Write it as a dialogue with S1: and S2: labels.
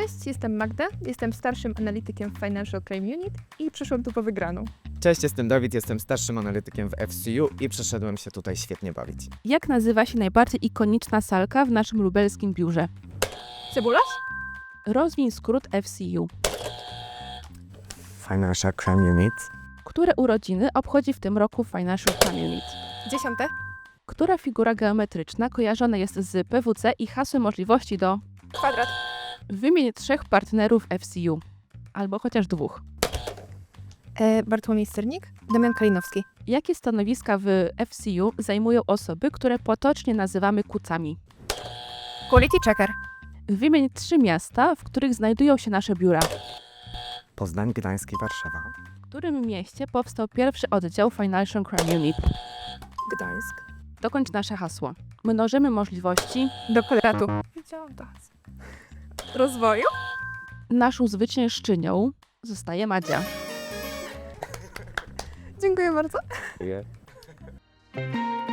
S1: Cześć, jestem Magda, jestem starszym analitykiem w Financial Crime Unit i przyszłam tu po wygraną.
S2: Cześć, jestem Dawid, jestem starszym analitykiem w FCU i przyszedłem się tutaj świetnie bawić.
S3: Jak nazywa się najbardziej ikoniczna salka w naszym lubelskim biurze?
S1: Cebularz?
S3: Rozwiń skrót FCU.
S2: Financial Crime Unit.
S3: Które urodziny obchodzi w tym roku Financial Crime Unit?
S1: 10.
S3: Która figura geometryczna kojarzona jest z PWC i hasłem możliwości do...
S1: Kwadrat.
S3: Wymień 3 partnerów FCU. Albo chociaż 2.
S1: Bartłomiej Sternik, Damian Kalinowski.
S3: Jakie stanowiska w FCU zajmują osoby, które potocznie nazywamy kucami?
S1: Quality Checker.
S3: Wymień 3 miasta, w których znajdują się nasze biura.
S2: Poznań, Gdańsk i Warszawa.
S3: W którym mieście powstał pierwszy oddział Financial Crime Unit?
S1: Gdańsk.
S3: Dokończ nasze hasło. Mnożymy możliwości.
S1: Do kwadratu. Wiedziałam to. Rozwoju?
S3: Naszą zwyciężczynią zostaje Madzia.
S1: Dziękuję bardzo.
S2: Yeah.